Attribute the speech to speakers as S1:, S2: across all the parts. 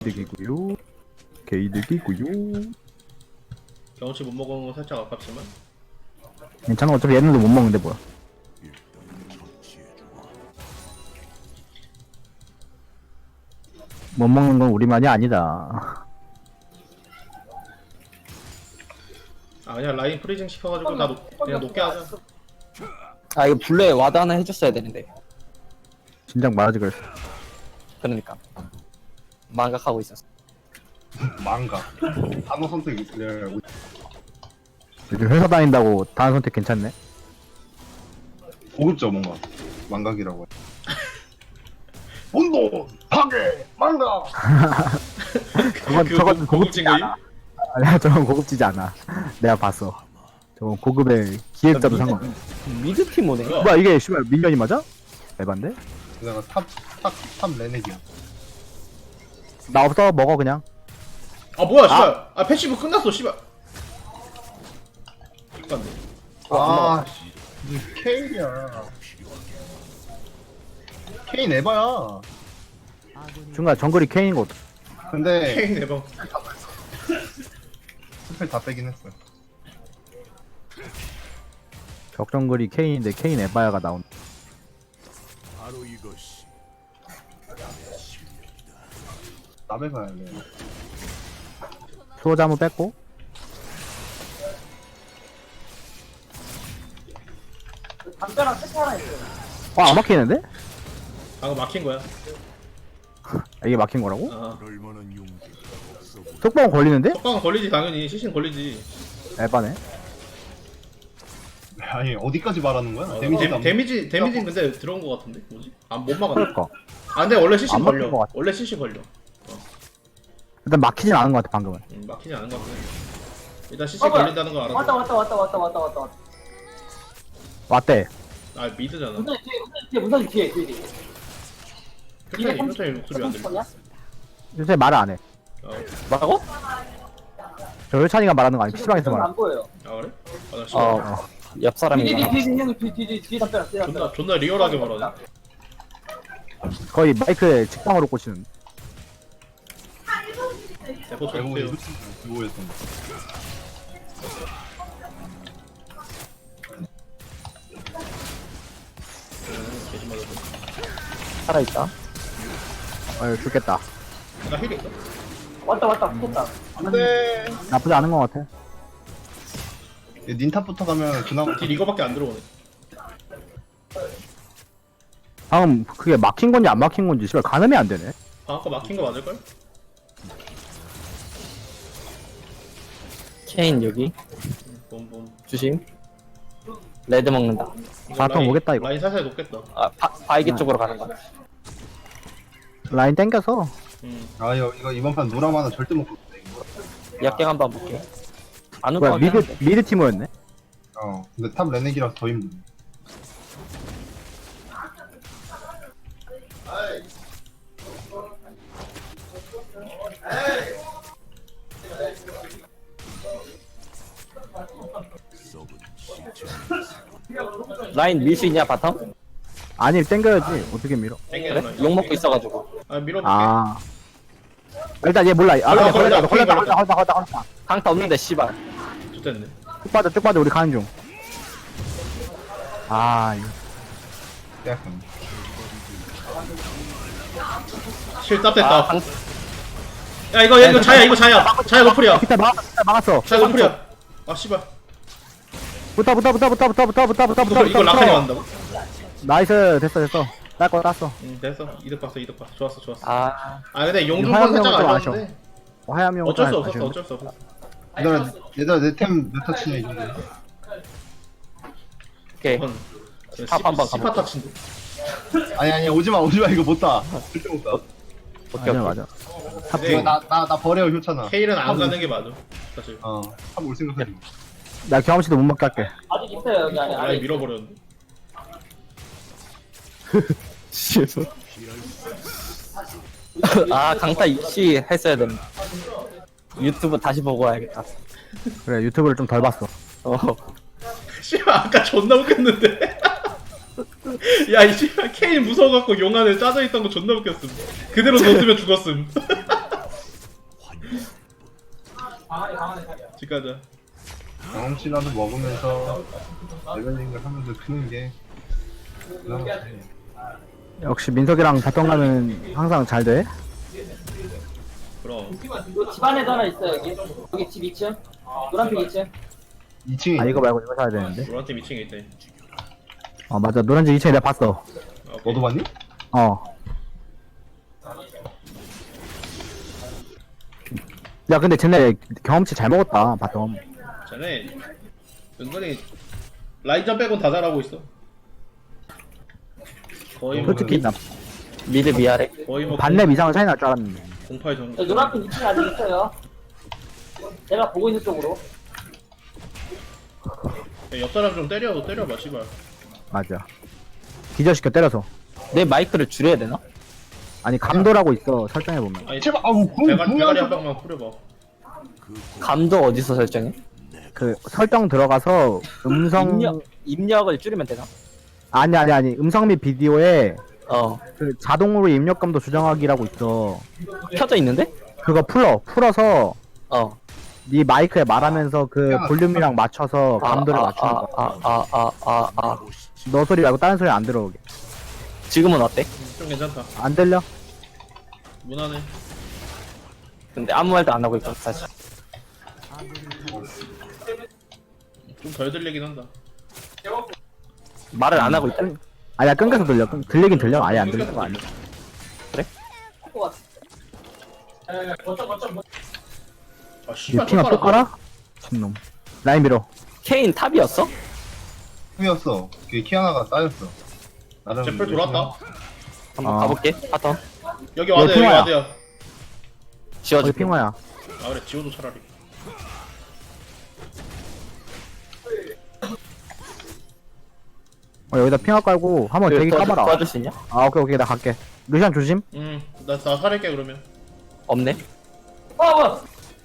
S1: 개이득이고요. 개이득이고요.
S2: 경험치 못 먹은 건 살짝 아깝지만
S1: 괜찮아. 어차피 얘네도 못 먹는데 뭐야. 못 먹는 건 우리만이 아니다.
S2: 아 그냥 라인 프리징 시켜가지고 나 그냥 높게 하자.
S3: 아 이거 블루에 와드 하나 해줬어야 되는데.
S1: 진작 말하지 그랬어.
S3: 그러니까 망각하고 있었어.
S4: 망가. 단어 선택이
S1: 요즘 회사 다닌다고 다른 선택 괜찮네.
S4: 고급져 뭔가. 망각이라고 해. 운동! 파괴! 망가!
S1: 저건 고급지지
S2: 거임?
S1: 않아. 아니야, 저건 고급지지 않아. 내가 봤어. 저건 고급의 기획자도 상관.
S3: 미드 팀 오네.
S1: 뭐야 이게 씨발 민현이 맞아? 에반데?
S4: 내가 탑 레넥이야.
S1: 나 없어 먹어 그냥.
S2: 아 뭐야 씨발. 아 패시브 끝났어 씨발. 잠깐만.
S4: 아, 씨. 케인이야. 케인 에바야.
S1: 중간 정글이 케인인 거.
S4: 근데
S2: 케인 대박.
S4: 스펠 다 빼긴 했어.
S1: 적정글이 케인인데 케인 에바야가 나온.
S5: 바로 이것이
S4: 남에 가야 돼.
S1: 소자 한번 뺐고. 안 막히는데?
S2: 방금 막힌 거야.
S1: 아, 이게 막힌 거라고?
S2: 아
S5: 그럴 만한 용기가 없어 보여.
S1: 속방은 걸리는데?
S2: 속방은 걸리지 당연히. 시신 걸리지.
S1: 에바네.
S4: 아니 어디까지 말하는 거야? 데미지도 안
S2: 데미지는 근데 들어온 거 같은데 뭐지? 아못 막았네.
S1: 그럴까.
S2: 아 근데 원래 시신
S1: 안 막힌
S2: 걸려.
S1: 것 같아.
S2: 원래 시신 걸려.
S1: 일단 막히진 않은 것 같아 방금은.
S2: 막히지 않은 거 같아. 일단 시신 걸린다는 거 알아.
S6: 왔다.
S1: 왔대.
S2: 아 미드잖아.
S6: 문선 뒤에.
S2: 표정이 목소리 안 들려.
S1: 요새 말을 안 해.
S3: 뭐라고?
S1: 저 혈찬이가 말하는 거 아니 PC방에서 말하.
S6: 안 보여요.
S2: 아 그래? 아나
S3: 어. 옆 사람인가?
S6: 뒤에 답변.
S2: 존나 리얼하게 말하네.
S1: 거의 마이크에 직방으로 꽂히는.
S2: 대포
S4: 알고 보니
S2: 쳐주세요.
S4: 그거였던 거.
S2: 개심 맞았어.
S3: 살아있다.
S1: 죽겠다.
S2: 나 힐 있어?
S6: 왔다. 붙었다.
S4: 안돼.
S1: 나쁘지 않은 것 같아.
S4: 닌탑부터 가면 그나마
S2: 딜 이거밖에 안 들어오네.
S1: 방금 그게 막힌 건지 안 막힌 건지 씨발 가늠이 안 되네.
S2: 아 아까 막힌 거 맞을걸?
S3: 케인 여기.
S2: 봄.
S3: 주심. 레드 먹는다.
S1: 바텀 오겠다, 이거.
S2: 라인 살살 높겠다.
S3: 아 바이기 쪽으로 가는 거.
S1: 라인 땡겨서.
S4: 아 이거 이번 판 노라마는 절대 못 봤어.
S3: 약갱 한번 볼게. 안
S1: 뭐야
S3: 올것 같긴 한데.
S1: 미드 팀이었네.
S4: 근데 탑 레넥이라서 더 힘들어.
S5: 썩은 시체
S3: 라인 밀 수 있냐 바텀?
S1: 아니 땡겨야지. 어떻게 밀어?
S2: 땡기는
S3: 그래?
S2: 라인.
S3: 욕 먹고 있어가지고.
S2: 아 밀어볼게.
S1: 아. 일단 얘 몰라. 아 걸렸다.
S3: 강타 없는데 씨발.
S2: 좋됐네.
S1: 쭉 빠져 우리 가는 중. 아 이거.
S4: 약간.
S2: 실답 됐다.
S3: 아 강.
S2: 야 이거 자야 노플이야.
S1: 기타 막았어.
S2: 자야 노플이야. 아 씨발.
S1: 붙어.
S2: 이거 라칸이 만다고?
S1: 나이스 됐어. 딸 거 땄어.
S2: 됐어. 이득 봤어. 좋았어.
S3: 아
S2: 아 근데 용중권
S1: 화염용은
S2: 살짝
S1: 좀
S2: 아쉬웠는데
S1: 화염이 형
S2: 어쩔 수 없었어.
S4: 얘들아 내템 몇 터치냐 이거.
S3: 오케이.
S2: 이건
S3: 탑 한번
S2: 시파
S3: 가볼게.
S2: 터치인데.
S4: 아니 오지마 이거 못 따. 절대 못 따.
S3: 오케이 오케이.
S1: 맞아.
S2: 근데
S4: 이거 나 버려 효찬아.
S2: 케일은 안 가는 게 맞아. 사실.
S4: 탑 올 생각하지 마.
S1: 나 경험치도 못 먹게 할게.
S6: 아직 있어요 여기 안에.
S2: 라인 밀어버렸는데.
S3: 아 강타 입시 했어야 된다. 유튜브 다시 보고 와야겠다.
S1: 그래 유튜브를 좀 덜 봤어.
S3: 어.
S2: 씨발 아까 존나 웃겼는데. 야 이 씨발 케일 무서워갖고 용 안에 짜져 있던 거 존나 웃겼음. 그대로 넣었으면 죽었음. 집 가자.
S4: 경험치라도 먹으면서 레벨링을 하면서 크는 게 그나마 다행이야.
S1: 역시 민석이랑 바텀 가면 항상 잘 돼.
S2: 그럼.
S6: 이거 집 안에도 하나 있어 여기. 여기 집 2층. 노란색 2층.
S4: 2층에
S1: 아 이거 말고 이거 사야 되는데.
S2: 노란팀 2층에 있대.
S1: 어 맞아 노란지 2층에 내가 봤어.
S2: 아, 오케이.
S4: 너도 봤니?
S1: 어. 야 근데 쟤네 경험치 잘 먹었다 바텀.
S2: 쟤네 은근히 라인전 빼곤 다 잘하고 있어. 거의 뭐
S1: 솔직히 나
S3: 미드 미아래.
S2: 거의 뭐
S1: 반렙 이상은 차이 날 줄 알았는데.
S2: 공파의 정.
S6: 저 노란색 2층에 아직 있어요. 내가 보고 있는 쪽으로.
S2: 옆 사람 좀 때려봐 씨발.
S1: 맞아. 기절시켜 때려서.
S3: 내 마이크를 줄여야 되나?
S1: 아니 감도라고 있어 설정해 보면.
S2: 아니
S4: 제발 아우
S2: 대가리 한 방만 뿌려봐.
S3: 감도 어디서 설정해?
S1: 그 설정 들어가서 음성
S3: 입력을 줄이면 되나?
S1: 아니 음성 및 비디오에
S3: 어.
S1: 그 자동으로 입력감도 조정하기라고 있어.
S3: 켜져 있는데?
S1: 그거 풀어서
S3: 어.
S1: 네 마이크에 말하면서 그 볼륨이랑 맞춰서 감도를 맞추는 거야. 너 소리 말고 다른 소리 안 들어오게.
S3: 지금은 어때?
S2: 좀 괜찮다.
S1: 안 들려?
S2: 무난해.
S3: 근데 아무 말도 안 하고 있고 사실.
S2: 좀 덜 들리긴 한다.
S3: 말을 안 하고 있다.
S1: 아니야 끊겨서 들려. 들리긴 들려. 아예 안 들리는 거 아니야.
S2: 아
S1: 얘
S2: 씨발
S1: 핑아 또 깔아? 참놈. 라인 밀어.
S3: 케인 탑이었어?
S4: 꿈이었어. 그게 키아나가 쌓였어. 나름
S2: 제플 돌았다.
S3: 한번
S1: 아.
S3: 가볼게. 바텀.
S2: 여기 와드야 여기
S1: 핑화야.
S2: 와드야.
S1: 어디
S3: 지워줄게.
S1: 핑화야?
S2: 아 그래 지워도 차라리.
S1: 여기다 핑화 깔고 한번 대기 까봐라.
S3: 도와줄 수 있냐?
S1: 아 오케이 나 갈게. 루시안 조심.
S2: 나 살릴게 그러면.
S3: 없네.
S6: 뭐.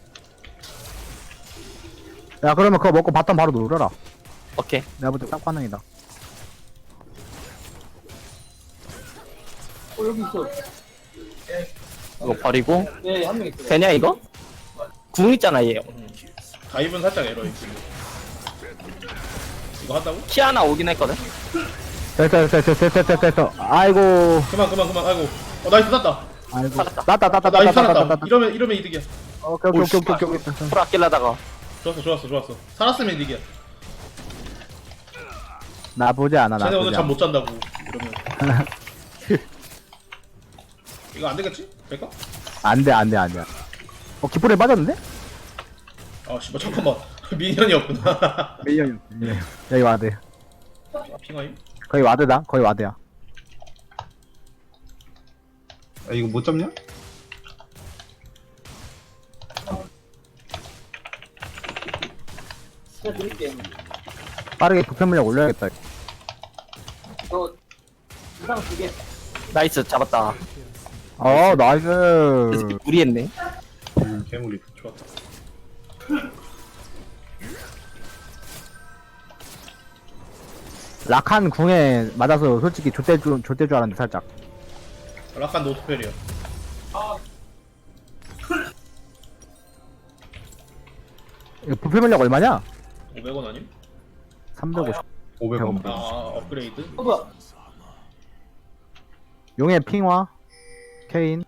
S1: 야 그러면 그거 먹고 바텀 바로 놀아라.
S3: 오케이.
S1: 내가 볼 때 딱 반응이다.
S6: 여기 있어.
S3: 이거 버리고.
S6: 네, 한 명 있어.
S3: 되냐 이거? 궁 있잖아 얘.
S2: 다이브는 살짝 에러 있지. 이거 한다고?
S3: 키아나 오긴 했거든.
S1: 됐어. 아이고.
S2: 그만. 아이고. 나이스 땄다.
S1: 아이고.
S3: 살았다.
S2: 나이스 살았다.
S1: 따따따따따따따.
S2: 이러면 이득이야.
S1: 오케이.
S3: 풀 아끼려다가.
S2: 좋았어. 살았으면 이득이야.
S1: 나쁘지 않아.
S2: 쟤네 오늘
S1: 나쁘지
S2: 잠
S1: 않아.
S2: 못 잔다고. 그러면. 이거 안 되겠지? 될까?
S1: 안돼. 깃불에 빠졌는데?
S2: 아 씨발 잠깐만. 미니언이었구나.
S1: 밀려요. 여기 와드.
S2: 핑하임?
S1: 거의 와드다. 거의 와드야.
S4: 아 이거 못 잡냐?
S6: 제가 드릴게요.
S1: 빠르게 부패 물량 올려야겠다.
S6: 저 이상 2개.
S3: 나이스 잡았다.
S1: 나이스.
S3: 무리했네.
S4: 괴물이.
S2: 좋았다.
S1: 락한 궁에 맞아서 솔직히 좆될 줄 알았는데 살짝.
S2: 락한 노스펠이야.
S1: 이거 부패 물량 얼마냐?
S2: 500원 아님?
S1: 350.
S4: 500원.
S2: 아 업그레이드?
S6: 뭐야?
S1: 용의 핑화. 케인.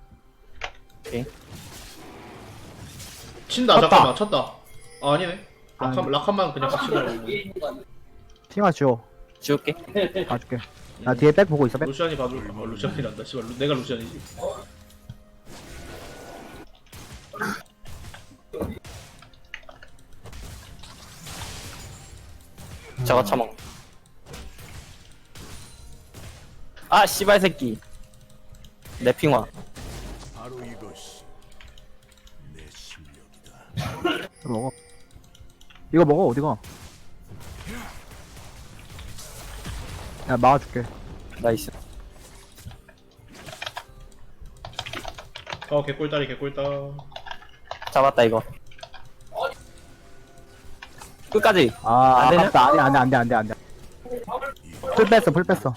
S2: 친다
S1: 쳤다.
S2: 잠깐만 쳤다. 아 아니네.
S1: 아니.
S2: 락한만 그냥 같이 들어.
S6: 위에 있는 거 아니야?
S1: 핑화 지워.
S3: 지울게.
S1: 봐줄게. 나 뒤에 백 보고 있어. 백.
S2: 루시안이 봐줘. 루시안이란다. 씨발 내가 루시안이지.
S3: 저거 처먹. 아 씨발 새끼. 내 핑화.
S5: 바로 이것이 내 실력이다.
S1: 이거 먹어. 이거 먹어 어디가? 야 막아줄게.
S3: 나이스.
S2: 개꿀다리.
S3: 잡았다 이거. 끝까지.
S1: 아
S3: 안 되냐?
S1: 아깝다. 안돼. 풀 뺐어.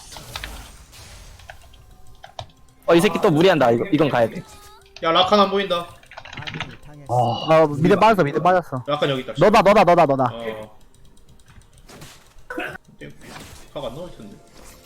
S3: 이 새끼 또 무리한다. 이건 가야 돼.
S2: 야 락한 안 보인다.
S4: 아,
S1: 미드 빠졌어 미드 빠졌어.
S2: 약간 여기 있다.
S1: 너다.
S2: 어. 파가 안 나올 텐데.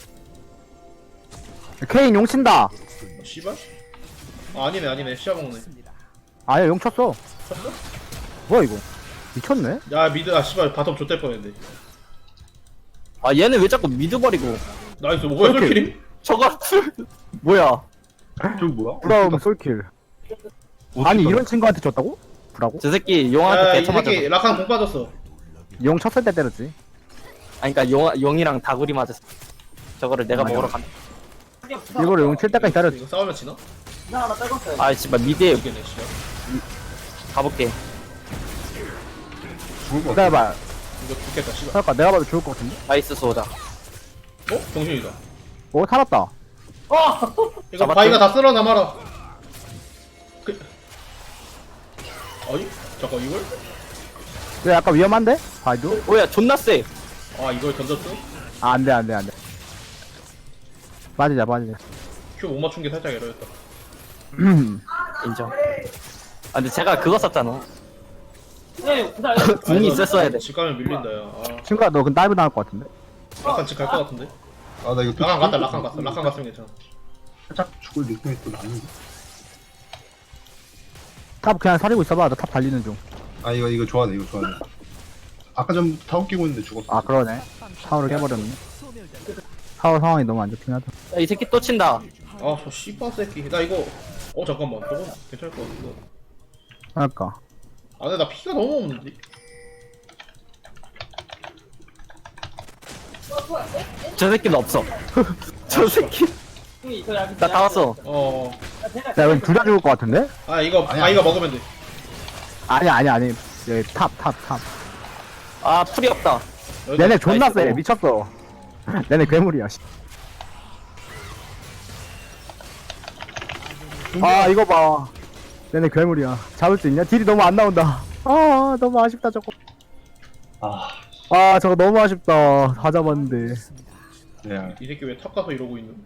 S1: 케인 용 친다.
S2: 씨발? 아, 아니네. 시야 먹네.
S1: 아니야 용 쳤어.
S2: 쳤어?
S1: 뭐야 이거? 미쳤네?
S2: 야, 미드, 씨발, 바텀 좆될 뻔했네.
S3: 아 얘는 왜 자꾸 미드 버리고
S2: 나이스, 뭐야,
S1: 오케이.
S2: 솔킬임?
S3: 저거 뭐야?
S4: 좀 뭐야?
S1: 브라움 솔킬. 아니 이런 친구한테 줬다고? 브라고?
S3: 저 새끼
S2: 야,
S3: 용한테
S2: 이
S3: 대처 맞았어.
S2: 새끼, 라칸 공 빠졌어.
S1: 용 쳤을 때 때렸지.
S3: 아니 그니까 용이랑 다구리 맞았어. 저거를 내가 먹으러 간다.
S1: 일부러 용 칠 때까지 때렸지.
S2: 이거 싸우면 지나?
S6: 나 하나 떨궜어요.
S3: 아 씨발 미드에
S2: 이게네, 씨발.
S3: 가볼게.
S4: 죽을 것 같아.
S1: 기다려봐.
S2: 이거 죽겠다, 씨발.
S1: 그러니까 내가 봐도 좋을 것 같은데?
S3: 나이스 소자.
S2: 어? 정신이다.
S1: 오 살았다.
S6: 어!
S2: 이거
S3: 잡았지?
S2: 바위가 다 쓸어 남아라. 아니? 잠깐, 이걸?
S1: 이거 약간 위험한데? 바이도?
S3: 뭐야 존나 세.
S2: 아, 이걸 던졌어?
S1: 아 안돼. 빠지자.
S2: 큐 못 맞춘 게 살짝 에러였다.
S3: 인정. 아 근데 제가 그거 썼잖아.
S6: 네, 그날
S3: 궁이 있었어야 돼.
S2: 집 가면 밀린다, 야. 아,
S1: 친구야 너 근데 다이브 나올 것 같은데?
S2: 라칸 집 갈 것 같은데?
S4: 아, 나 이거 또
S2: 라칸 갔다,
S4: 죽을
S2: 라칸
S4: 것
S2: 갔어.
S4: 같아.
S2: 라칸 갔으면 괜찮아.
S4: 살짝 죽을 느낌이 또 나는데.
S1: 탑 그냥 사리고 있어봐. 너 탑 달리는 중.
S4: 아, 이거 좋아하네. 아까 전부터 타워 끼고 있는데 죽었어.
S1: 아 그러네. 타워를 깨버렸네. 타워 상황이 너무 안 좋긴 하다.
S3: 야, 이 새끼 또 친다.
S2: 아, 저 씨발 새끼. 나 이거, 잠깐만. 저건 괜찮을 것 같은데.
S1: 그러니까.
S2: 아, 근데 나 피가 너무 없는데?
S3: 저 새끼는 없어. 저 새끼. 나 다 왔어.
S1: 야 이건 둘 다 죽을 것 같은데?
S2: 아, 이거
S4: 아니야.
S2: 바위가 먹으면 돼.
S1: 아니. 여기 탑.
S3: 아 풀이 없다.
S2: 여기다
S1: 얘네 존나
S3: 나이스.
S1: 세. 미쳤어. 얘네 괴물이야. 씨. 아 이거 봐. 얘네 괴물이야. 잡을 수 있냐? 딜이 너무 안 나온다. 아 너무 아쉽다 저거.
S4: 아,
S1: 아 저거 너무 아쉽다. 다 잡았는데.
S4: 네.
S2: 이 새끼 왜 탑 가서 이러고 있는?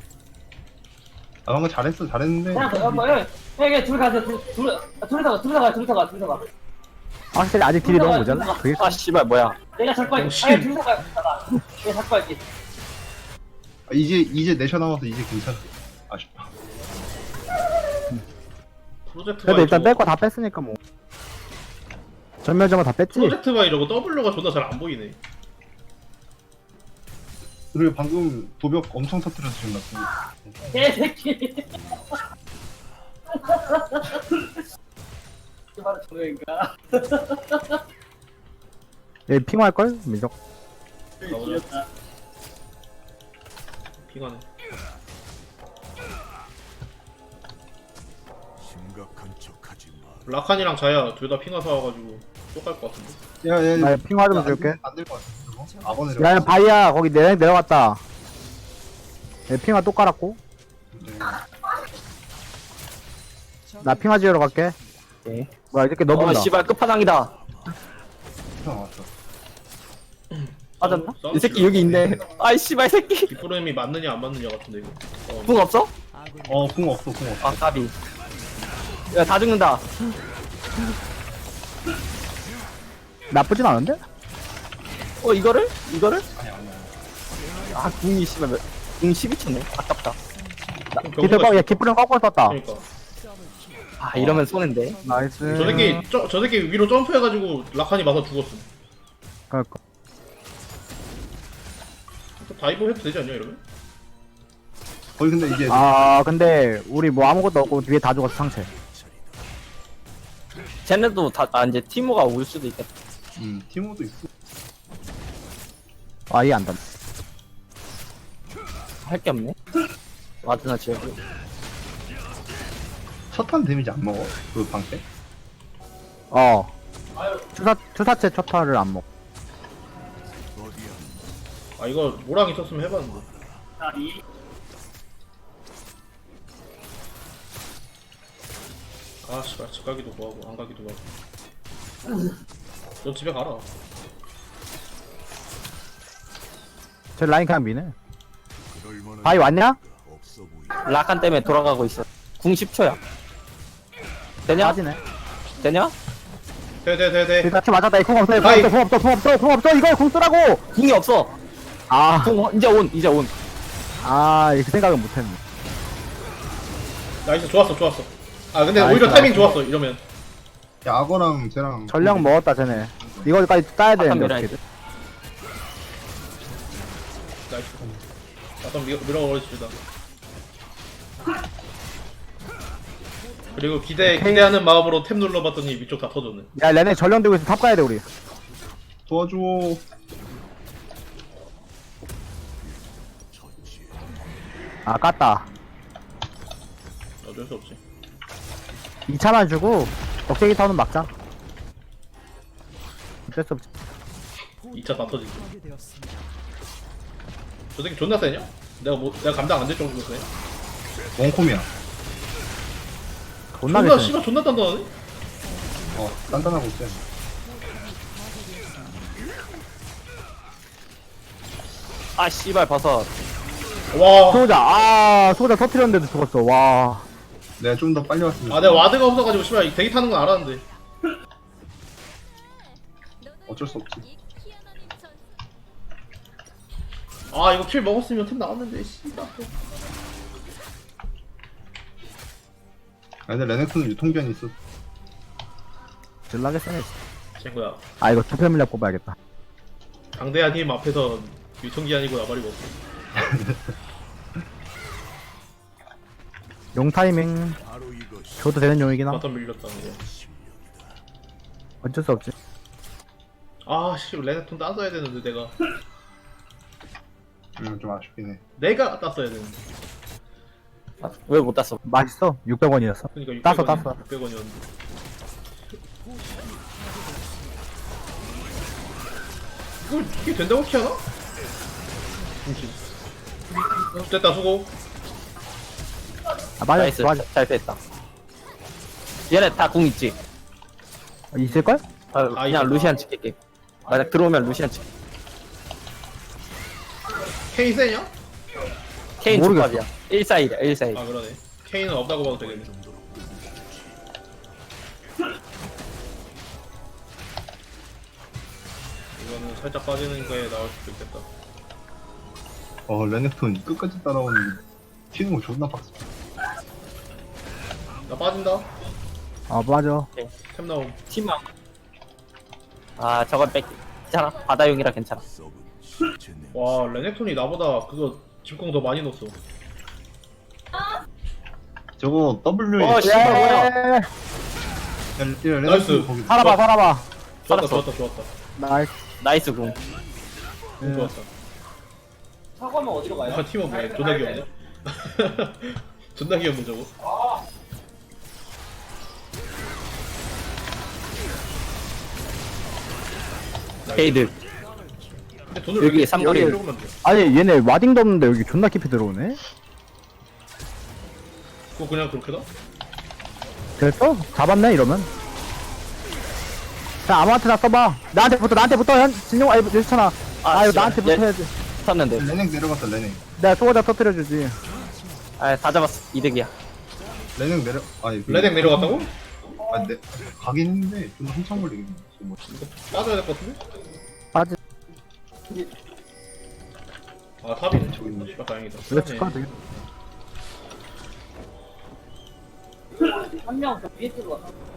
S4: 아, 방금 잘했는데.
S6: 여기 둘 가세요. 둘이서 가.
S1: 확실히 아직 딜이 너무 모자라. 그게
S3: 아 씨발 뭐야.
S6: 내가 잡고 할게.
S2: 정신.
S6: 아니, 둘이서 가. 내가 잡고 할게.
S4: 아, 이제 내셔 남아서 이제 괜찮아. 아쉽다.
S2: 프로젝트
S1: 그래도
S2: 바위
S1: 일단
S2: 저거-
S1: 뺄 거 다 뺐으니까 뭐. 전멸점을 다 뺐지?
S2: 프로젝트 바이 저거 W가 존나 잘 안 보이네.
S4: 그리고 방금 도벽 엄청 터뜨려서 지금 나.
S6: 개새끼. 바로 저거인가?
S1: 얘 핑화할걸? 민석.
S2: 나오자. 핑하네.
S5: 심각한 척하지 마.
S2: 라칸이랑 자야 둘 다 핑하 사와가지고 똑갈 것 같은데.
S4: 야,
S1: 나 핑화 좀 줄게.
S4: 안될 것 같은데, 저거? 악어 내려.
S1: 야 바이야 거기 내려갔다. 얘 핑화 또 깔았고.
S4: 네.
S1: 나 핑화 지으러 갈게.
S3: 네.
S1: 뭐야 이렇게 너
S3: 어
S1: 본다.
S3: 씨발 끝판왕이다.
S4: 왔어.
S3: 맞았나? 이 새끼 여기 있네. 아이 씨발 새끼.
S2: 뒷부름이 맞느냐 안 맞느냐 같은데 이거.
S3: 궁 없어?
S4: 궁 없어.
S3: 아 까비. 야 다 죽는다.
S1: 나쁘진 않은데?
S3: 이거를?
S4: 아니야.
S3: 아 궁이 씨발 궁 12초네. 아깝다.
S1: 기술 꺾, 얘 기쁘름 꺾고 썼다.
S2: 그러니까
S3: 아 이러면 손해인데.
S1: 나이스.
S2: 저 새끼 위로 점프해가지고 라칸이 맞아 죽었어.
S1: 그러니까.
S2: 다이브 해도 되지 않냐 이러면?
S4: 거의 근데 이게
S1: 아 근데 우리 뭐 아무것도 없고 뒤에 다 죽었어 상체.
S3: 쟤네도 다 이제 티모가 올 수도 있겠다.
S4: 티모도 있고.
S1: 아예 안 닿네.
S3: 할 게 없네. 와드나 지어고.
S4: 첫판 데미지 안 먹어? 그 방패?
S1: 어. 투사체 첫타를 안 먹.
S5: 어디야?
S2: 아 이거 모랑 있었으면 해봤는데.
S6: 다리.
S2: 아 씨발 집 가기도 뭐하고 안 가기도 뭐하고. 너 집에 가라.
S1: 저 라인 그냥 미네.
S5: 그럴 만한
S1: 바이 왔냐?
S5: 없어 보이.
S3: 라칸 때문에 돌아가고 있어. 궁 10초야. 되냐?
S1: 빠지네.
S3: 되냐?
S2: 돼.
S1: 일단 치 맞았다. 이공 없어.
S2: 아이.
S1: 공 없어. 이거 공 쓰라고.
S3: 궁이 없어.
S1: 아,
S3: 궁 이제 온.
S1: 그 생각은 못했네.
S2: 나이스, 좋았어. 아, 근데
S1: 나이스,
S2: 오히려 타이밍
S1: 나이스.
S2: 좋았어, 이러면.
S4: 야 악어랑 쟤랑
S1: 전령 먹었다 쟤네. 이거까지 따야 되는데
S3: 밀어야
S1: 어떻게?
S2: 나이스. 바텀 밀어버려줍니다. 그리고 기대하는 마음으로 탭 눌러봤더니 위쪽 다 터졌네.
S1: 야 레네 전령 들고 있어. 탑 가야 돼 우리.
S4: 도와줘.
S1: 아 깠다.
S2: 어쩔 수 없지.
S1: 2차만 주고 억제기 타운은 막자. 어쩔 수 없지.
S2: 2차 다 터지지. 저 새끼 존나 세냐? 내가 감당 안 될 정도로 세.
S4: 원콤이야.
S1: 존나
S2: 존나,
S1: 개쎄.
S2: 씨발 존나 단단하네?
S4: 단단하고 쎄.
S3: 아 씨발 버섯.
S2: 와.
S1: 소자 터트렸는데도 죽었어. 와.
S4: 내가 좀 더 빨리 왔으면.
S2: 아, 내가 와드가 없어가지고, 씨발, 대기 타는 건 알았는데.
S4: 어쩔 수 없지.
S2: 아, 이거 킬 먹었으면 템 나왔는데, 씨발.
S4: 아 근데 레넥톤은 유통기한이 있어.
S1: 졸라게 세네.
S2: 친구야.
S1: 아 이거 투표 물약 뽑아야겠다.
S2: 강대한 힘 앞에선 유통기한이고 나발이고 없어.
S1: 용 타이밍
S5: 바로 이것이
S1: 줘도 되는 용이긴 함.
S2: 바텀 밀렸다, 이제.
S1: 어쩔 수 없지.
S2: 아, 씨, 레넥톤 따서야 되는데, 내가.
S4: 좀 아쉽긴 해.
S2: 내가 땄어야 되는데.
S3: 왜 못 땄어?
S1: 맛있어. 600원이었어.
S2: 그니까
S1: 땄어,
S2: 600원이야.
S1: 땄어.
S2: 600원이었는데. 이게 된다고 키하나? 됐다, 수고.
S1: 아 맞아.
S3: 나이스.
S1: 맞아.
S3: 잘 됐다. 얘네 다 궁 있지?
S1: 있을걸?
S3: 그냥
S2: 이거.
S3: 루시안 찍게. 만약 들어오면 루시안 찍.
S2: 케인 세냐?
S3: 케인
S1: 모르겠어.
S3: 조합이야. 141이야 141.
S2: 아, 그러네. 케인은 없다고 봐도 되겠네. 이거는 살짝 빠지는 거에 나올 수도 있겠다.
S4: 레넥톤 끝까지 따라오는 튀는 거 존나 빡세.
S2: 나 빠진다.
S1: 아 맞아.
S2: 템 나옴.
S3: 팀망. 아 저건 뺏기. 괜찮아. 바다용이라 괜찮아.
S5: 썩은 시체 냄새.
S2: 와, 레넥톤이 나보다 그거 집공 더 많이 넣었어.
S4: 저거 W에
S3: 씨발 뭐야?
S1: 예.
S2: 나이스.
S4: 거기
S1: 살아봐.
S2: 좋았다,
S3: 살았어.
S2: 좋았다.
S1: 나이스.
S3: 나이스 궁.
S2: 좋았다.
S6: 사과면 어디로 가요?
S2: 아, 팀원 뭐야? 존나 귀엽네. 존나 귀엽네, 저거.
S3: 게이드.
S2: 근데 돈을
S3: 여기
S2: 왜
S3: 삼거리.
S2: 이렇게 조금만 줘?
S1: 아니 얘네 와딩도 없는데 여기 존나 깊이 들어오네.
S2: 그거 그냥 그렇게 다?
S1: 됐어? 잡았네 이러면. 자 아무한테나 써봐. 나한테 붙어 진용 아니 괜찮아. 아 이거
S3: 씨발.
S1: 나한테 붙어야지.
S3: 쳤는데.
S4: 레넥 내려갔다 레넥.
S1: 내가 소자 터뜨려주지.
S3: 아다 잡았어. 이득이야.
S4: 레넥 내려. 아니
S2: 레넥 내려갔다고?
S4: 네. 가긴 했는데 좀 한참 걸리겠네. 뭐.
S2: 이거 빠져야 될 것 같은데?
S1: 빠지.
S2: 아, 탑이네.
S4: 저기 있네.
S2: 씨발, 다행이다.
S1: 이거 칠까 되게.
S6: 한 명 더 위에 들어가.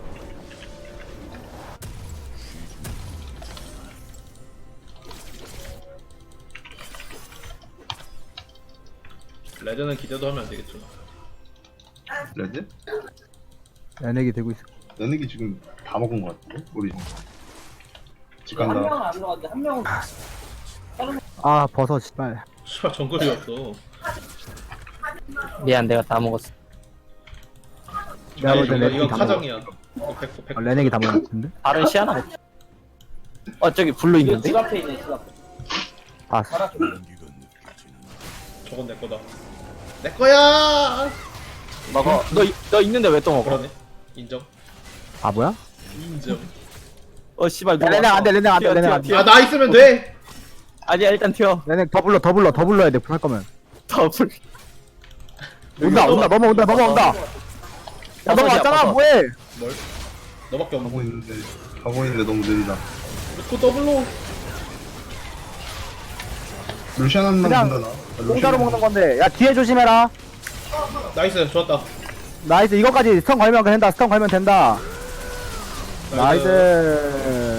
S2: 레드는 기대도 하면 안 되겠죠.
S4: 레드?
S1: 연예기 되고 있어.
S4: 레넥이 지금 다 먹은 거 같은데? 우리 집
S6: 한
S4: 간다.
S6: 명은 안 들어갔는데 한 명은
S1: 아 버섯 씨발.
S2: 씨발, 정글이었어.
S3: 미안 내가 다 먹었어.
S1: 내가
S2: 아니,
S1: 볼 때
S2: 이거
S1: 레넥이 다 먹어.
S2: 카장이야. 이거 100%.
S1: 레넥이 다 먹었는데?
S3: 다른 시야나 먹. 저기 블루
S6: 집
S3: 있는데?
S6: 앞에 있네 집 앞에.
S1: 봤어.
S5: 온기가 느껴지는
S2: 저건 내 거다. 내 거야!
S3: 먹어. 너 있는데 왜 또 먹어?
S2: 그러네. 인정.
S1: 아 뭐야?
S2: 인정.
S3: 씨발
S1: 야,
S3: 누가
S1: 레넥
S3: 왔어.
S1: 안 돼, 레넥 안 돼,
S3: 튀어,
S1: 레넥
S3: 튀어,
S1: 안 돼.
S3: 튀어.
S2: 아, 나 있으면 돼!
S3: 아니야 일단 튀어.
S1: 레넥 더 불러야 돼. 할 거면.
S3: 더블.
S1: 온다. 넘어온다. 야
S3: 버섯이야,
S1: 넘어왔잖아
S3: 버섯.
S1: 뭐해?
S2: 뭘? 너밖에 없는
S4: 가고 있는데 너무 느리다.
S2: 루코 더블로.
S4: 루시안 한번
S1: 그냥
S4: 본다 나.
S1: 공짜로 먹는 건데. 야 뒤에 조심해라.
S2: 나이스 좋았다.
S1: 나이스 이거까지 스턴 걸면 된다. 스턴 걸면 된다. 나이스.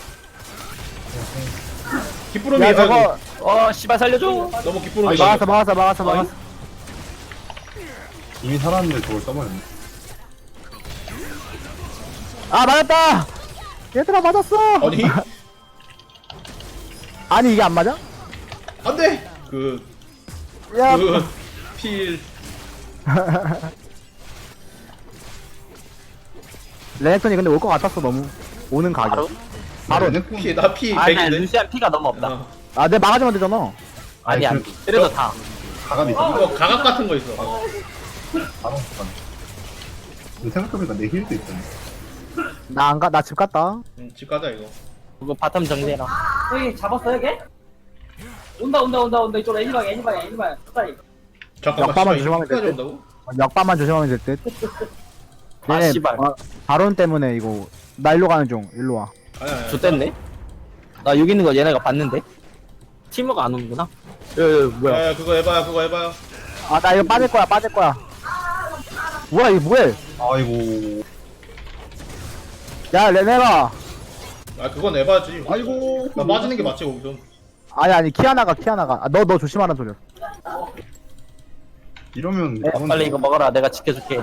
S2: 기쁘름이
S1: 야
S2: 아이고
S1: 저거
S3: 씨발 살려줘.
S2: 너무 기쁘름이.
S1: 막았어.
S4: 이미 살았는데 저걸 써버렸네.
S1: 아 맞았다. 얘들아 맞았어.
S2: 아니
S1: 아니 이게 안 맞아?
S2: 안돼.
S1: 야.
S2: 필.
S1: 레넥톤이 근데 올 것 같았어 너무. 오는 가격. 바로.
S2: 피 나피
S3: 아니
S2: 100인데.
S3: 루시안 피가 너무 없다.
S1: 아 내 막아주면 되잖아.
S3: 아니
S4: 아니,
S3: 그래도 다.
S4: 가감이 있어.
S2: 이거 가각 같은 거 있어.
S4: 바로 간. 생각해보니까 내 힐도 있던데.
S1: 나 안 가. 나 집 갔다.
S2: 집 가자 이거.
S3: 그거 바텀 정리해라.
S6: 여기 잡았어 여기? 온다 이쪽으로 애니방에 스타일.
S2: 잠깐만.
S1: 역바만
S2: 씨발,
S1: 조심하면
S2: 이거까지
S1: 될 듯.
S2: 온다고?
S1: 역바만 조심하면 될 듯.
S3: 아,
S1: 얘네,
S3: 씨발.
S1: 바론 때문에 이거 나 일로 가는 중. 일로 와.
S2: 아니.
S3: 좋댔네. 나 여기 있는 거 얘네가 봤는데. 팀워가 안 오는구나. 뭐야?
S2: 야, 그거 해봐요.
S1: 아 나 이거 빠질 거야. 뭐야 이거 뭐해?
S4: 아이고.
S1: 야 레네라.
S2: 아, 그건 해봐야지.
S4: 아이고.
S2: 나 맞는 게 맞지 거기서.
S1: 아니 키아나가. 아, 너 조심하라는 소리야.
S4: 이러면
S3: 빨리 이거 먹어라. 내가 지켜줄게.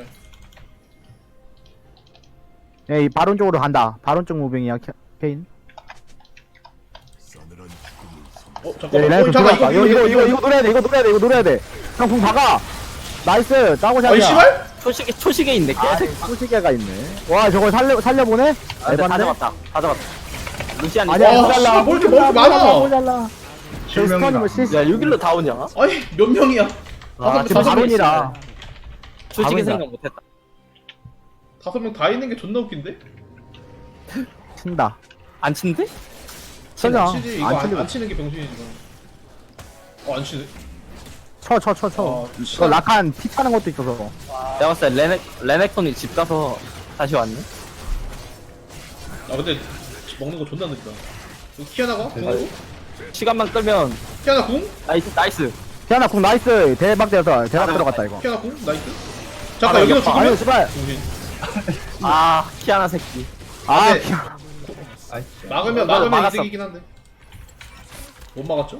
S1: 예, 이 바론 쪽으로 간다. 바론 쪽 무빙이야 케인.
S5: 싸늘한 죽음을 선
S1: 예,
S2: 잠깐만.
S1: 레네톤
S2: 잠깐
S1: 들어왔다. 이거 노려야 돼. 이거 노려야 돼. 형 궁 박아. 나이스. 짜고샷이야.
S2: 아니 씨발?
S3: 초식에 있네.
S1: 아,
S3: 개새끼.
S1: 소시계가 있네. 와 저걸 살려보네?
S3: 아, 근데 다 잡았다. 루시안
S1: 아니야
S2: 와,
S1: 모자라.
S2: 씨발, 뭘 이렇게 먹을 게 많아.
S1: 모자라. 저 스턴이 뭐 실수.
S3: 야 6일로 다 오냐?
S2: 아니 몇 명이야?
S1: 아 지금
S2: 다섯 명
S1: 바론이라.
S3: 솔직히
S1: 가보인다.
S3: 생각 못했다.
S2: 5명 다 있는 게 존나 웃긴데?
S1: 친다.
S3: 안 친데?
S1: 치자.
S2: 치지 이거
S1: 안
S2: 안
S1: 치는
S2: 치는 게 병신이지 지금. 안 치네.
S1: 쳐.
S2: 아,
S1: 이거 라칸 피 차는 것도 있어서.
S3: 내가 봤을 때 레넥톤이 집 가서 다시 왔네.
S2: 아 근데 먹는 거 존나 느리다. 이거 키아나가? 궁으로?
S3: 시간만 끌면
S2: 키아나 궁?
S3: 나이스.
S1: 태연아 궁 나이스. 대박 들어갔다 이거.
S2: 키아나 궁? 나이스. 잠깐 여기서
S1: 아유
S2: 죽으면?
S1: 씨발.
S2: 정신.
S3: 아 키아나 새끼.
S1: 아
S2: 네. 막으면
S3: 막았어.
S2: 이득이긴 한데. 못 막았죠?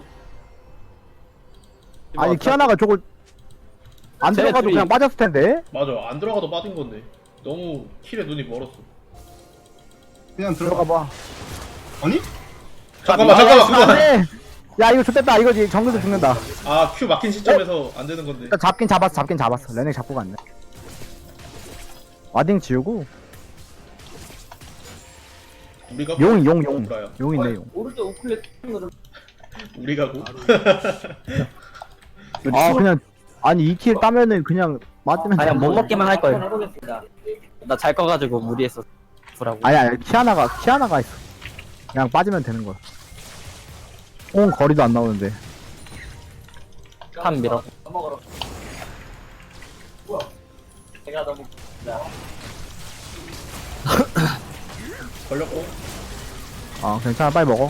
S1: 아니 키아나가 저걸 안
S3: 쟤네
S1: 들어가도
S3: 둘이-
S1: 그냥 빠졌을 텐데.
S2: 맞아. 안 들어가도 빠진 건데. 너무 킬에 눈이 멀었어.
S4: 그냥 들어가.
S1: 들어가 봐.
S4: 아니?
S2: 잠깐만 그거.
S1: 안돼. 야 이거 좋됐다. 이거 정글도 죽는다.
S2: 아 큐 막힌 시점에서 안 되는 건데.
S1: 일단 잡긴 잡았어. 레넥 잡고 갔네. 와딩 지우고
S2: 우리가
S1: 용
S2: 브라야.
S1: 있네 용.
S6: 오른쪽 우클릭 으로
S2: 우리가 고.
S1: 아 그냥 아니 2킬 따면은 그냥 맞으면
S3: 그냥 못 먹기만 할
S6: 한번
S3: 걸.
S6: 해보겠습니다.
S3: 나 잘 꺼가지고 무리했어. 보라고.
S1: 아니 키아나가 있어. 그냥 빠지면 되는 거야. 거리도 안 나오는데.
S3: 한 밀어.
S6: 밥 먹으러. 내가 너무
S2: 걸렸고.
S1: 아 괜찮아 빨리 먹어.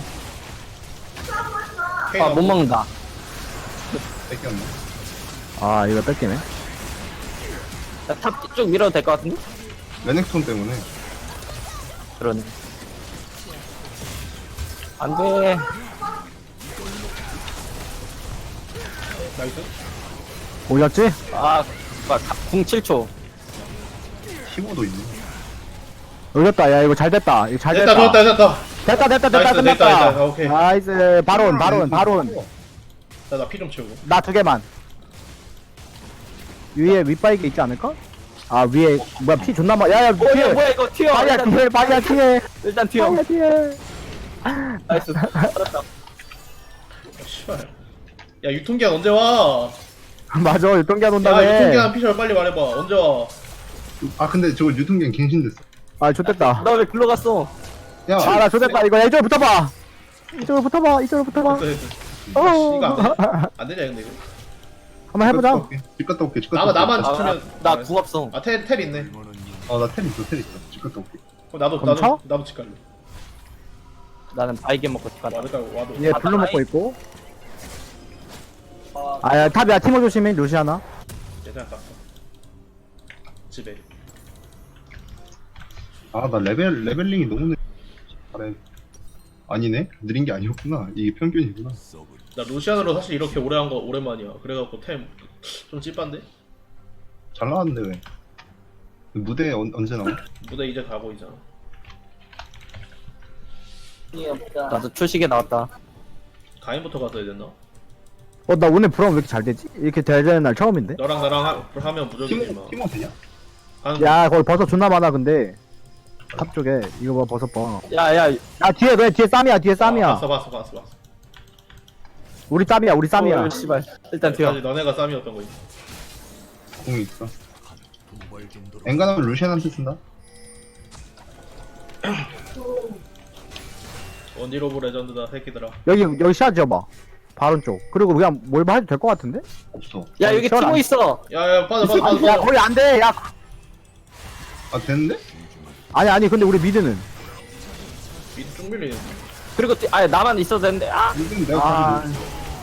S2: 케이나
S3: 못 먹는다.
S4: 뺏겼네.
S1: 아 이거 뺏기네.
S3: 탑 쭉 밀어도 될 것 같은데?
S4: 레넥톤 때문에.
S3: 그러네. 안 돼.
S2: 나이스.
S1: 오셨지?
S3: 궁 7초.
S4: 15도 있네.
S1: 오셨다. 야 이거 잘 됐다. 이거 잘
S2: 됐다
S1: 됐다.
S2: 됐다.
S1: 됐다
S2: 나이스,
S1: 끝났다.
S2: 됐다. 오케이.
S1: 나이스 바론.
S2: 나 피 좀 채우고.
S1: 나 2개만. 위에 윗바이게 있지 않을까? 아 위에 뭐야 피 존나 야야 뒤에.
S3: 뭐야 이거 튀어.
S1: 바이야 뒤에 바이야 뒤에.
S3: 일단 튀어.
S1: 바이야 뒤에.
S3: 나이스. 살았다.
S2: 씨발. 야 유통기한 언제 와?
S1: 맞아 유통기한
S2: 야
S1: 온다며.
S2: 유통기한 피셜 빨리 말해봐. 언제 와?
S4: 아 근데 저거 유통기한 갱신됐어.
S1: 아 좋됐다.
S3: 너 왜 글로 갔어?
S4: 야.
S1: 아나 좋됐다. 이거 이쪽으로 붙어봐. 이쪽으로 붙어봐.
S2: 됐어.
S1: 어.
S2: 이거 안 되냐 근데 이거?
S1: 한번 해보자.
S4: 집 갔다 올게. 집 갔다 올게.
S2: 나만
S3: 아,
S2: 지키면.
S3: 나궁 없어.
S2: 텔 있네.
S5: 응원은
S4: 나 텔 있어, 텔 있어. 지금도 올게.
S2: 나도
S1: 그럼 쳐?
S2: 나도 집 갈래.
S3: 나는 바이게 먹고 가다.
S2: 와드 깔고 와드.
S1: 얘 블루 먹고 있고. 아야 탑이야 티모 조심해 루시아나.
S2: 예전에 갔어. 집에.
S4: 나 레벨링이 너무 느려. 잘해. 아니네? 느린 게 아니었구나. 이게 평균이구나.
S5: 썩은
S2: 나 루시안으로 사실 이렇게 오래 한 거 오랜만이야. 그래갖고 템 좀 찝한데?
S4: 잘 나왔는데 왜? 무대 언제 나와?
S2: 무대 이제 다 보이잖아.
S3: 나도 초식에 나왔다.
S2: 가인부터 갔어야 됐나?
S1: 나 오늘 브라운 왜 이렇게 잘 되지? 이렇게 돼야 되는 날 처음인데?
S2: 너랑 나랑 하면 무적이지 마.
S4: 티모 되냐?
S1: 야 거기 버섯 존나 많아 근데 탑 쪽에 이거 봐 버섯 봐.
S3: 야야.
S1: 야 뒤에 그래 뒤에 쌈이야 뒤에 쌈이야.
S2: 봤어.
S1: 우리 쌈이야 우리 쌈이야.
S3: 씨발. 일단 튀어.
S2: 아직 너네가 쌈이었던 거지.
S4: 공이 있어.
S5: 도발 정도로
S4: 엔간하면 루시안한테 쓴다?
S2: 원딜 오브 레전드다 새끼들아.
S1: 여기 시야 지어봐. 바론 쪽. 그리고 그냥 뭘 해도 될 것 같은데?
S4: 없어.
S3: 야 여기
S1: 시원
S3: 티모
S1: 안-
S3: 있어.
S2: 야야 빠져.
S1: 야 거기 안 돼. 야
S4: 되는데?
S1: 아니 근데 우리 미드는
S2: 미드 쭉 밀리네.
S3: 그리고 나만 있어도 되는데. 아.
S4: 이건 내가
S1: 아.
S4: 가지고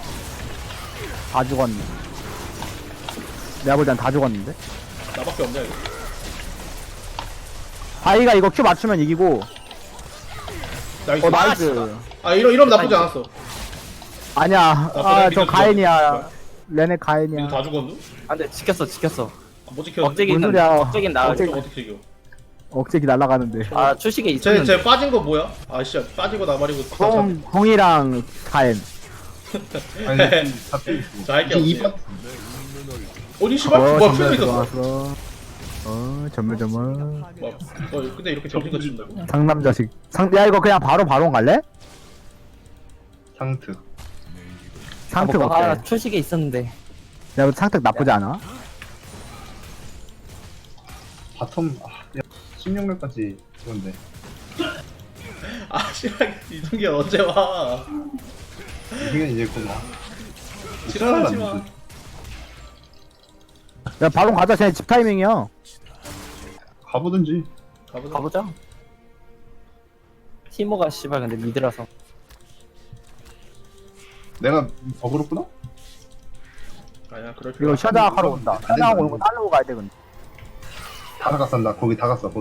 S1: 다 죽었네. 내가 볼 땐 다 죽었는데.
S2: 나밖에 없냐 이거.
S1: 바이가 이거 큐 맞추면 이기고.
S2: 나이스.
S1: 나이스.
S2: 이러면 나쁘지 않았어.
S1: 아니야.
S2: 그래,
S1: 저
S2: 미드
S1: 가인이야. 레네
S2: 미드
S1: 가인이야.
S2: 다 죽었누?
S3: 안돼 지켰어.
S2: 못 지켰는데.
S3: 억제기
S1: 뭔
S3: 있는.
S1: 소리야.
S3: 억제긴 나.
S1: 억제기.
S2: 어떻게 이겨?
S1: 억제기 날아가는데.
S3: 아 초식에 있었는데.
S2: 쟤 빠진 거 뭐야? 씨 빠지고 나발이고.
S1: 공이랑 가인.
S4: 아니 다 빼있어.
S2: 자, 할게
S4: 이제
S2: 없지.
S4: 2파
S2: 어니 씨발 뭐야
S1: 전멸
S2: 풀도 있었어.
S1: 들어왔어. 전멸.
S2: 뭐, 근데 이렇게 정신같이 준다고?
S1: 상남 자식. 야 이거 그냥 바로 바론 갈래?
S4: 상트.
S1: 상특 어때?
S3: 아 초식에 있었는데.
S1: 야 이거 상특 나쁘지 않아?
S4: 바텀 16명까지 그건데.
S2: 씨발 이동기 언제 와?
S4: 이게 이제 곧 와.
S2: 지랄하지 마.
S1: 야 바론 가자. 쟤네 집 타이밍이야.
S4: 가보든지.
S3: 가보자. 티모가 씨발 근데 미드라서.
S4: 내가 버그렇구나?
S2: 아니야 그럴
S1: 이거
S2: 필요.
S1: 샤드악 하러 온다. 샤드악 오는 거 따르고 가야 돼 근데.
S4: 다 갔었나? 거기 다 갔어.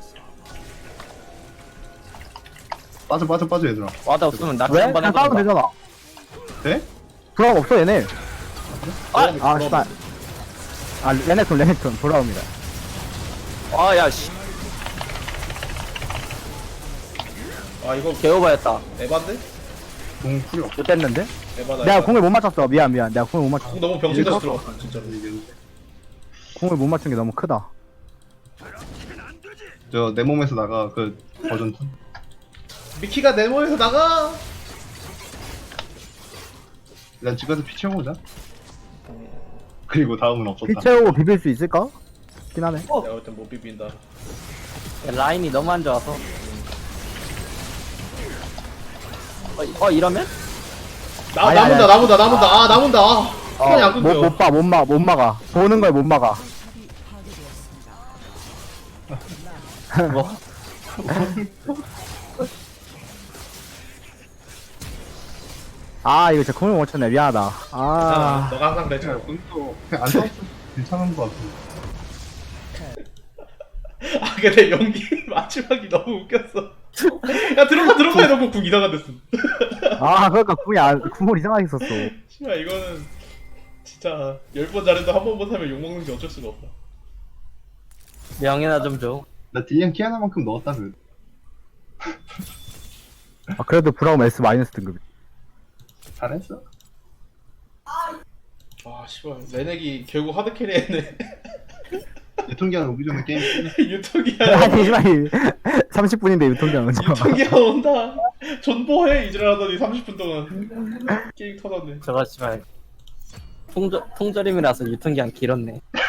S4: 빠져 얘들아.
S3: 와드 없으면 나
S1: 왜?
S3: 한번
S1: 그냥 싸우면
S3: 해보자.
S1: 되잖아.
S4: 돼?
S1: 브라운 없어 얘네.
S2: 아,
S1: 씨발. 레네톤 돌아옵니다.
S3: 아야 씨.
S2: 이거
S3: 개오바였다.
S2: 에반데?
S4: 공 풀이 없어.
S1: 못됐는데?
S2: 에바다.
S1: 내가 공을 못 맞췄어. 미안. 내가 공을 못 맞췄어.
S2: 공 너무 병신같이 들어갔어 진짜로.
S1: 공을 못 맞춘 게 너무 크다.
S4: 저 내 몸에서 나가 그 버전 2.
S2: 미키가 내 몸에서 나가.
S4: 일단 집 가서 피 채워보자. 그리고 다음은
S1: 피
S4: 없었다.
S1: 채우고 비빌 수 있을까? 긴 하네.
S2: 내가 볼 땐 못 비빈다.
S3: 라인이 너무 안 좋아서. 이러면?
S1: 아니, 아니,
S2: 나문다. 시간이 안 끊겨.
S1: 못 막아. 보는 걸 못 막아.
S3: 뭐?
S1: 이거 진짜 공을 못 쳤네. 미안하다.
S2: 괜찮아. 너가 항상 그랬잖아.
S4: 공도 그냥 안 싸웠어. 괜찮은 거 같아.
S2: 근데 연기 마지막이 너무 웃겼어. 야 들어가 해놓고 궁 이상한 데쓴.
S1: 그러니까 궁을 이상하게 썼어.
S2: 씨발 이거는 진짜 10번 잘해도 한 번 못하면 욕먹는 게 어쩔 수가 없다.
S3: 명예나 좀 줘.
S4: 나 딜량 키아나만큼 넣었다 그.
S1: 그래도 브라움 S 마이너스 등급.
S4: 잘했어.
S2: 씨발 레넥이 결국 하드캐리 했네.
S4: 유통기한 오기 전에 게임 끝냈어.
S2: 유통기한
S1: 아니, 씨발. 30분인데 유통기한은.
S2: 유통기한 온다. 존버해 이지랄하더니 30분 동안 게임 터졌네.
S3: 저거 씨발 통절임이라서 유통기한 길었네.